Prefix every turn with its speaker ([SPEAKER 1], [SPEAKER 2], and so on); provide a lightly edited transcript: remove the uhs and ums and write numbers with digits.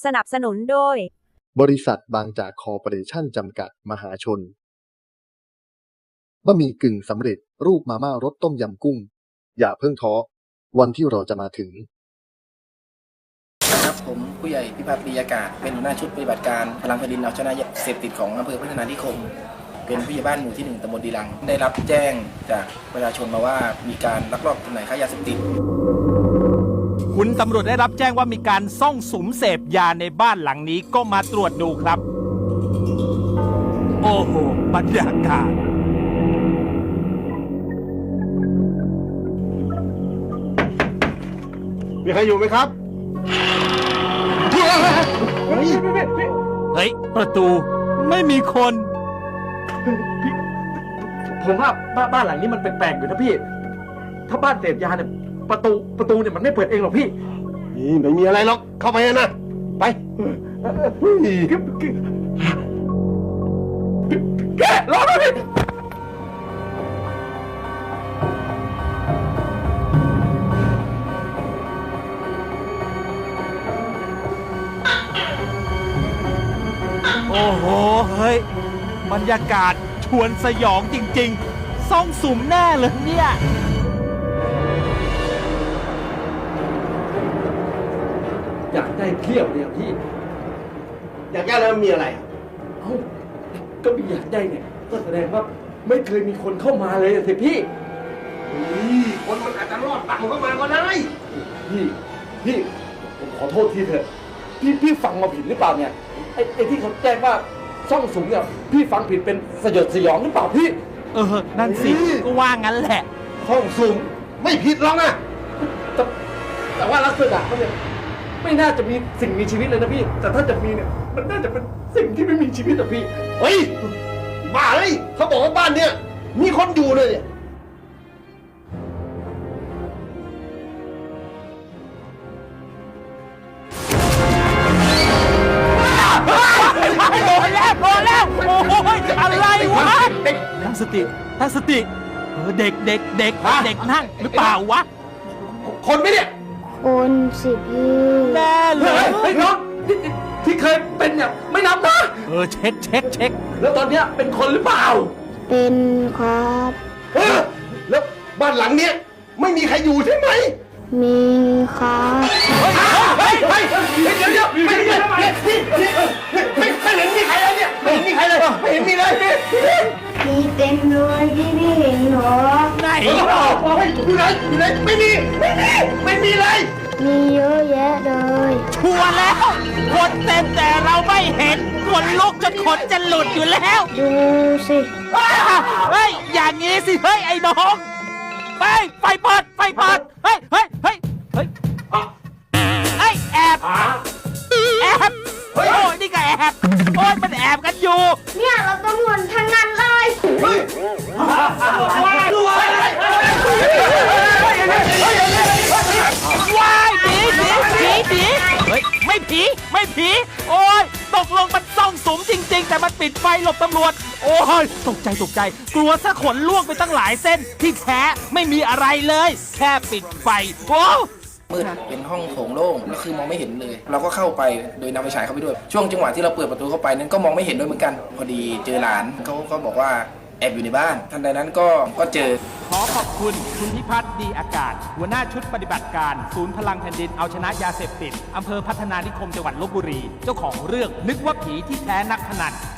[SPEAKER 1] สนับสนุนโดย
[SPEAKER 2] บริษัทบางจากคอร์ปอเรชั่นจำกัดมหาชนบะหมี่กึ่งสำเร็จรูปมาม่ารสต้มยำกุ้งอย่าเพิ่งท้อวันที่เราจะมาถึง
[SPEAKER 3] ครับผมผู้ใหญ่พิพัฒน์ดีอากาศเป็นหัวหน้าชุดปฏิบัติการพลังแผ่นดินเอาชนะยาเสพติดของอำเภอพัฒนานิคมเป็นผู้ใหญ่บ้านหมู่ที่ 1 ตำบลดีลังได้รับแจ้งจากประชาชนมาว่ามีการลักลอบจำหน่ายค้ายาเสพติด
[SPEAKER 4] คุณตำรวจได้รับแจ้งว่ามีการซ่องสุมเสพยาในบ้านหลังนี้ก็มาตรวจดูครับโอ้โหบรรยากาศ
[SPEAKER 5] มีใครอยู่ไหมครับ
[SPEAKER 4] เฮ้ยประตูไม่มีคน
[SPEAKER 5] ผมว่าบ้านหลังนี้มันแปลกๆอยู่นะพี่ถ้าบ้านเสพยาเนี่ยประตูเนี่ยมันไม่เปิดเองหรอกพี่นี่ไม่มีอะไรหรอกเข้าไปนะไปแกรอหน่อยพี่
[SPEAKER 4] โอ้โหเฮ้ยบรรยากาศชวนสยองจริงๆซ่องสุมแน่เลยเนี่ย
[SPEAKER 5] อยากได้เที่ยวเนี่ยพี่
[SPEAKER 6] อยากได้แล้วมีอะไร
[SPEAKER 5] เอ้าก็มีอยากได้เนี่ยก็แสดงว่าไม่เคยมีคนเข้ามาเลยสิพี่
[SPEAKER 6] คนมันอาจจะรอดปากมันเข้ามาก็ได้
[SPEAKER 5] พี่ผมขอโทษทีเถอะพี่ฟังมาผิดหรือเปล่าเนี่ยไอ้ที่เขาแจ้งว่าซ่องสุมเนี่ยพี่ฟังผิดเป็นสยดสยองหรือเปล่าพี่
[SPEAKER 4] นั่นสิก็ว่างั้นแหละ
[SPEAKER 6] ซ่องสุมไม่ผิดหรอกนะ
[SPEAKER 5] แต่ว่าลักษณะเขาเนี่ยไม่น่าจะมีสิ่งมีชีวิตเลยนะพี่แต่ถ้าจะมีเนี่ยมันน่าจะเป็นสิ่งที่ไม่มีชีวิตอะพี่
[SPEAKER 6] เฮ้ยบ้าเลยเขาบอกว่าบ้านเนี่ยมีคนอยู่เลยเนี่ย
[SPEAKER 4] พอแล้วโอ้ยอะไรวะตั้งสติเด็กนั่งหรือเปล่าวะ
[SPEAKER 6] คนไหมเนี่ย
[SPEAKER 7] คนสิพี่
[SPEAKER 4] แน่เลย
[SPEAKER 5] ไอ้น้องที่เคยเป็นเนี่ยไม่นับนะ
[SPEAKER 4] เช็ค
[SPEAKER 5] แล้วตอนเนี้ยเป็นคนหรือเปล่า
[SPEAKER 7] เป็นครับ
[SPEAKER 6] แล้วบ้านหลังเนี้ยไม่มีใครอยู่ใช่ไหม
[SPEAKER 7] มีครับ
[SPEAKER 6] เดี๋ยวไม่เห็นมีใครเลยเนี่ยไม่เห็นมีใครเลยไม่เห็นมีเลย
[SPEAKER 7] มีเต็มเลยที่พี่เห็นหรอ
[SPEAKER 4] ไหน
[SPEAKER 6] อยู่ไหนไม่มีเลย
[SPEAKER 7] มีเยอะแยะเลย
[SPEAKER 4] ชัวร์แล้วคนเต็มแต่เราไม่เห็นคนลุกจนขนจะหลุดอยู่แล้ว
[SPEAKER 7] ดูสิ
[SPEAKER 4] เฮ้ยอย่างงี้สิเฮ้ยไอ้น้องไฟเปิดเฮ้ยแอบโอ้ยนี่ก็แอบโอ้ยมันแอบกันอยู่
[SPEAKER 7] เนี่ยเราตำรวจทั้งนั้นเลย
[SPEAKER 4] ว้ายผีเฮ้ยไม่ผีโอ้ยตกลงมันซ่องสุมจริงๆแต่มันปิดไฟหลบตำรวจโอ้ยตกใจกลัวซะขนล่วงไปตั้งหลายเส้นที่แท้ไม่มีอะไรเลยแค่ปิดไฟโอ้
[SPEAKER 3] มืดเป็นห้องโถงโล่งแล้วคือมองไม่เห็นเลยเราก็เข้าไปโดยนำไฟฉายเข้าไปด้วยช่วงจังหวะที่เราเปิดประตูเข้าไปนั้นก็มองไม่เห็นด้วยเหมือนกันพอดีเจอหลานเขาก็บอกว่าแอบอยู่ในบ้านทันใดนั้นก็เจอ
[SPEAKER 4] ขอขอบคุณคุณพิพัฒน์ดีอากาศหัวหน้าชุดปฏิบัติการศูนย์พลังแผ่นดินเอาชนะยาเสพติดอำเภอพัฒนานิคมจังหวัดลพบุรีเจ้าของเรื่องนึกว่าผีที่แท้นักพนัน